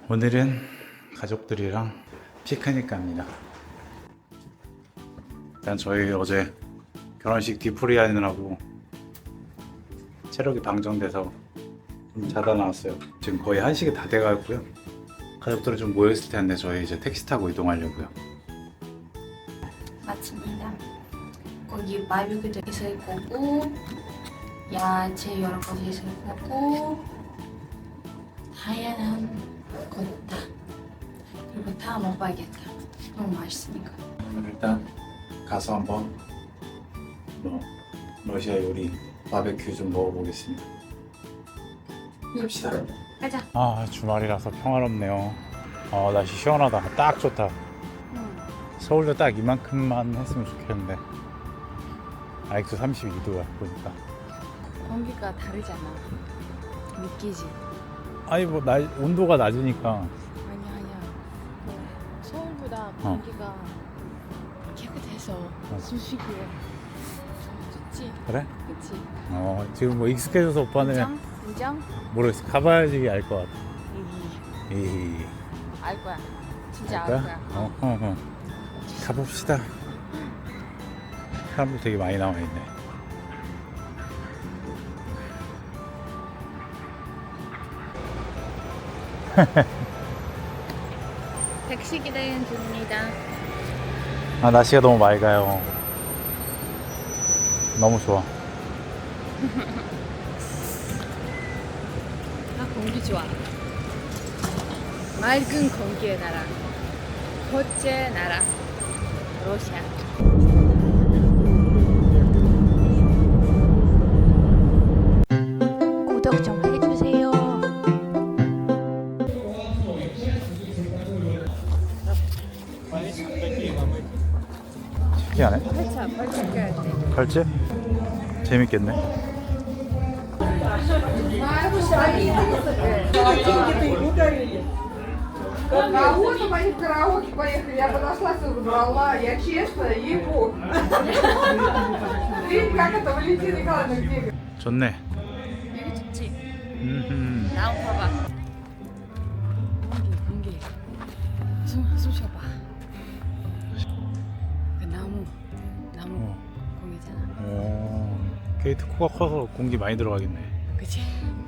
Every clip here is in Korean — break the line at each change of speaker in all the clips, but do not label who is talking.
오늘은 가족들이랑 피크닉 갑니다. 일단 저희 어제 결혼식 뒤풀이 하느라고 체력이 방전돼서 좀 자다 나왔어요. 지금 거의 1시가 다 돼가고요. 가족들은 좀 모여있을 텐데 저희 이제 택시 타고 이동하려고요.
마칩니다. 거기 바비큐도 있을 거고 야채 여러 가지 있을 거고 다양한 것 다. 그리고 다 먹어야겠다. 너무 맛있으니까.
일단 가서 한번 러시아 요리 바베큐 좀 먹어보겠습니다. 갑시다.
가자.
아, 주말이라서 평화롭네요. 날씨 시원하다. 딱 좋다. 서울도 딱 이만큼만 했으면 좋겠는데 아직도 32도야 보니까.
공기가 다르잖아. 느끼지?
아니 뭐 온도가 낮으니까.
아니야. 서울보다 공기가 깨끗해서 숨쉬기에 좋지.
그래?
그치?
지금 뭐 익숙해져서 오빠는
인정?
모르겠어. 가봐야지 알 것 같아.
알 거야. 진짜
알
알
거야?
거야.
가봅시다. 사람들 되게 많이 나와 있네.
택시 기다리는 중입니다.
날씨가 너무 맑아요. 너무 좋아.
공기 좋아. 맑은 공기의 나라. 첫째 나라. 러시아. 구독 좀 해주세요.
신기하네.
팔찌 껴야 돼.
갈지? 재밌겠네.
Кого-то моих караоке поехали, я подошла, все забрала, я честно, ей-богу. Видите, как это Валентина Николаевна где?
좋네.
여기 좋지?
음흠.
나무 봐봐. 공기. 숨 쉬어봐. 그 나무 공기잖아.
게이트 코가 커서 공기 많이 들어가겠네.
그치?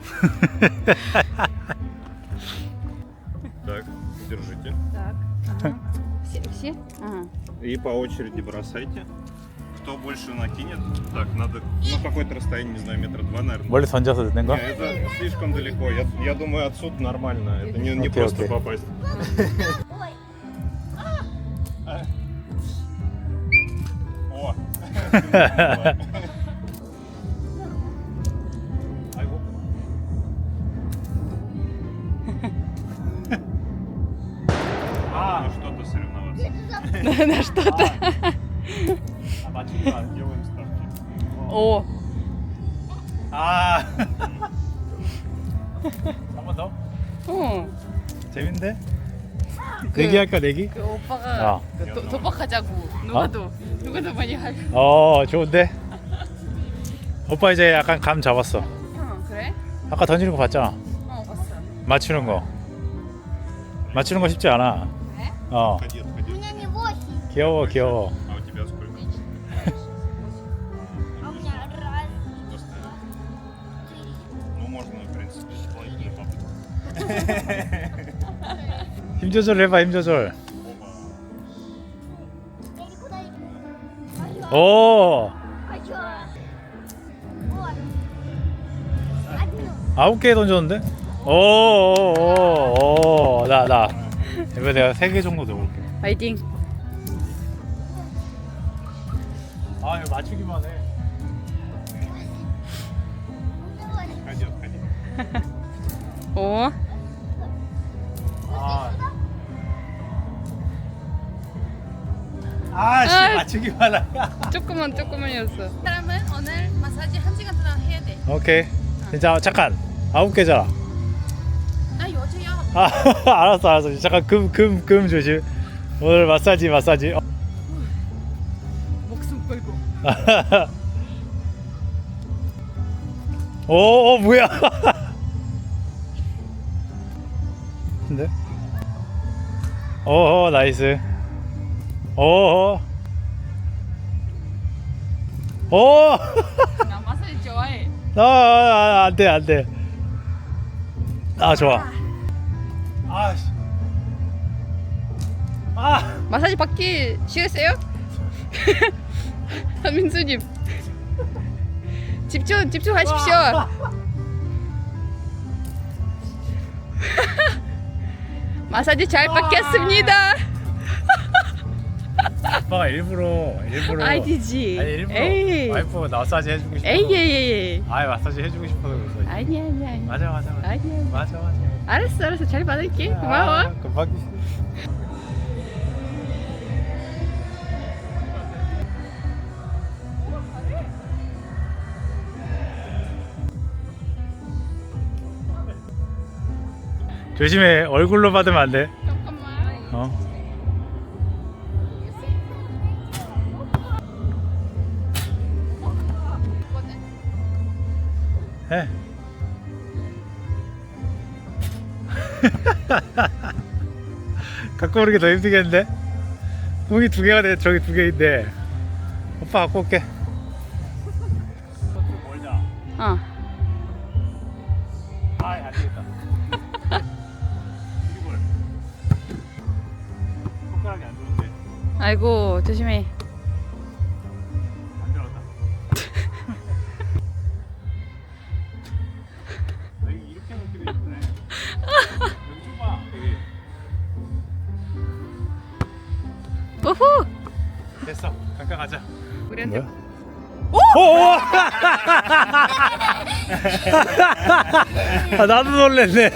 Так, держите.
Так. Все? Ага.
И по очереди бросайте. Кто больше накинет? Так, надо, какое-то расстояние, не знаю, метра два, наверное.
멀리 던져서 넣는
Не,
거?
это слишком далеко. Я думаю, отсюда нормально. Это не
Окей,
просто
окей.
попасть. О! 아이고. Ну что-то соревноваться.
На что-то.
Да, делаем ставки.
오.
한 번 더?
응.
재밌는데? 내기 할까 내기?
그 오빠가
야.
그 도박하자고. 누가 더 많이 할.
좋은데? 오빠 이제 약간 감 잡았어.
응, 그래?
아까 던지는 거 봤잖아.
봤어.
맞추는 거. 맞추는 거 쉽지 않아.
그래?
Ходи, отходи.
귀여워.
А у тебя сколько? Ну, можно, в принципе, дополнительно попытать.
힘 조절 해봐, 힘 조절. 오! 9개 던졌는데? 나. 이거 내가 3개 정도 넣어볼게.
파이팅.
이거 맞추기만 해.
Отходи, отходи.
오.
맞추기만 해.
조금만이었어. 사람은 오늘 마사지 1시간 동안 해야 돼.
오케이. 진짜 잠깐. 9개잖아.
나 여자야.
알았어. 잠깐 금 조심. 오늘 마사지.
목숨 걸고.
뭐야? 같은데. 오호 나이스. 오호. 오.
나 마사지 좋아해.
안돼 안돼. 아 좋아. 아씨. 아.
마사지 받기 싫으세요? 민수님 집중하십시오. 마사지 잘 받겠습니다.
아빠가 일부러
아니지.
아니 일부러
에이.
와이프 마사지 해주고 싶어.
에이.
아이 마사지 해주고 싶어서 그래서.
아니.
맞아.
아니야. 알았어. 잘 받을게. 고마워.
아, 금방. 조심해. 얼굴로 받으면 안 돼.
잠깐만.
어. 해. 갖고 오는 게 더 힘들겠는데? 공이 2개가 돼. 저기 2개인데. 오빠 갖고 올게.
어.
아이 안 되겠다. 손가락이 안 좋은데.
아이고 조심해.
안 들어갔다. 이렇게 먹기도 예쁘네. 여기 좀 봐. 여기.
우후.
됐어. 잠깐 가자.
우리한테
오! 아, 나도 놀랬네.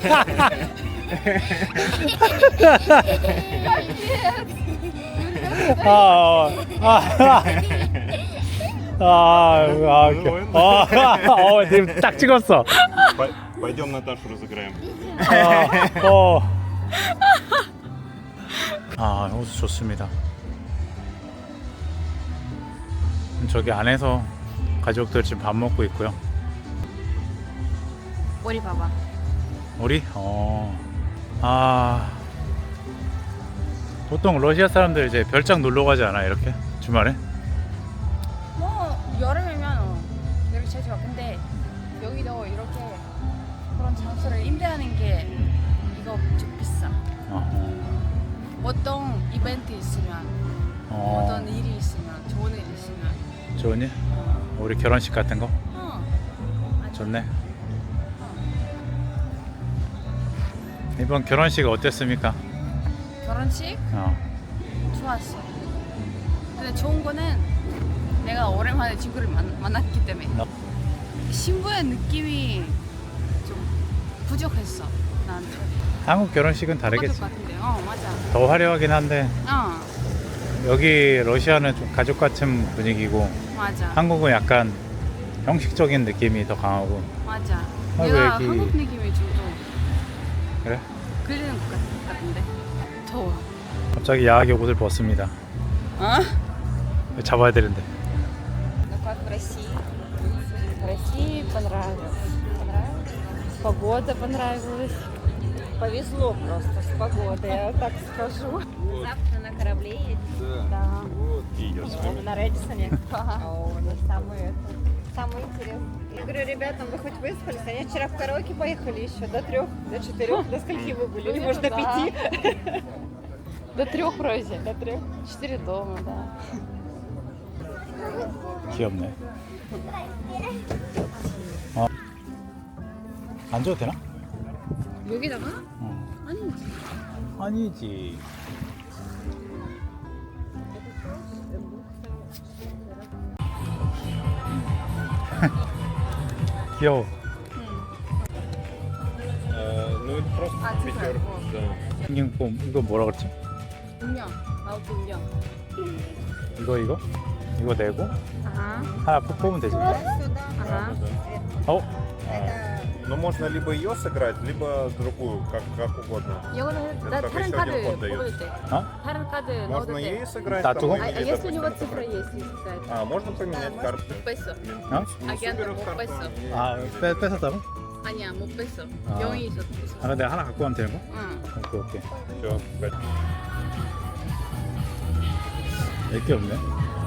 지금 딱 찍었어.
Пойдем Наташу разыграем.
호수 좋습니다. 저기 안에서 가족들 지금 밥 먹고 있고요.
머리 봐봐.
우리? 보통 러시아 사람들 이제 별장 놀러 가지 않아 이렇게 주말에?
뭐 여름이면 이렇게 자주 와. 근데 여기도 이렇게 그런 장소를 임대하는 게 이거 좀 비싸. 어떤 이벤트 있으면 어떤 일이 있으면 좋은 일 있으면
좋으니? 우리 결혼식 같은 거?
맞아.
좋네. 이번 결혼식 어땠습니까?
결혼식
어.
좋았어. 근데 좋은 거는 내가 오랜만에 친구를 만났기 때문에 신부의 느낌이 좀 부족했어 나한테.
한국 결혼식은 다르겠지.
똑같을 것 같은데. 맞아.
더 화려하긴 한데 여기 러시아는 좀 가족 같은 분위기고
맞아.
한국은 약간 형식적인 느낌이 더 강하고.
맞아.
아이고,
내가
애기.
한국 느낌이 좀
그래?
그리는 것 같은데. 더워.
갑자기 야하게 옷을 벗습니다. 잡아야 되는데.
Ну как в России? В России понравилось. Погода понравилась.
Повезло просто с погодой, я так скажу.
Завтра на корабле едем?
Да.
И идет с вами.
На Редисоне. Самое интересное. Я говорю, ребятам, вы хоть выспались? Они вчера в караоке поехали еще до 3, до 4, до скольки вы были? Или может до 5?
До 3 вроде.
До 3.
4 дома, да.
귀엽네. 앉아도 되나?
여기다가? 아니지.
아니지. 귀여워.
Ну это просто пятерка. Да.
생긴 거 이거 뭐라 그랬지?
운영. 아웃 운영.
이거 내고
아하.
하나 뽑으면 되지.
아하.
Но можно либо ее сыграть, либо другую, как угодно.
이거는
Это
나
как
다른
еще
카드
один ход дает.
뽑을 때.
어?
다른 카드 넣어도
Можно
돼.
ей сыграть,
Да,
там,
туго.
А
или,
если у него
допустим,
цифра есть какая-то?
можно поменять карты.
Песо.
А?
Не
Агент
супер
по
карту,
песо.
не-
아, 뺏었다고?
아니야 못 뺐어.
아.
병이 있었어.
아, 내가 하나 갖고 가면 되는 거?
응.
오케이, 오케이.
Все,
몇 개 없네.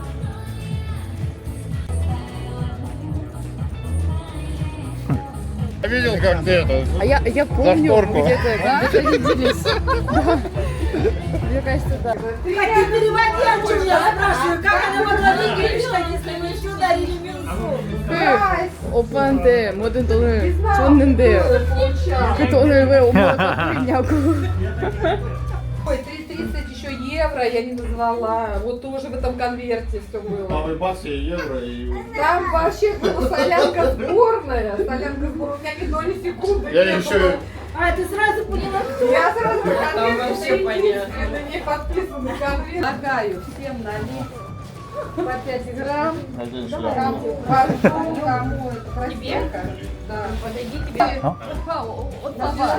Я видел, как ты это...
А я помню,
шторку.
где-то виделись. Мне кажется, да.
Хотя переводи, о чем я спрашиваю, как она могла выиграть, если мы еще ударили минусу?
오빠한테 모든 돈을 줬는데 그 돈을 왜 엄마가 갖고 있냐고.
Ой, 30 еще евро я не назвала. Вот тоже в этом конверте все было.
Новый бакс и евро и...
Там вообще была солянка сборная. Солянка сборная. У меня ни доли секунды
Я
не
еще...
было.
А, ты сразу поняла, кто?
Я сразу конверт
вообще понятно.
на ней подписанный конверт. Предлагаю всем налить по 5 грамм.
Один
Кому
шлем.
кому это простенько. Да.
어?
От вас.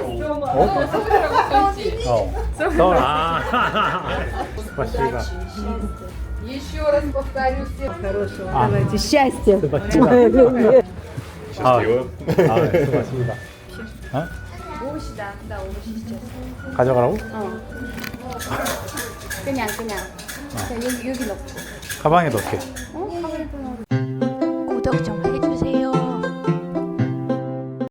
서울. 아. спасибо.
Еще раз повторю всем хорошего.
Давайте, счастья.
спасибо. 아, 네, спасибо. 어?
옷이다. 나 옷이 진짜.
가져가라고?
그냥 여기 넣고.
가방에 넣게.
어?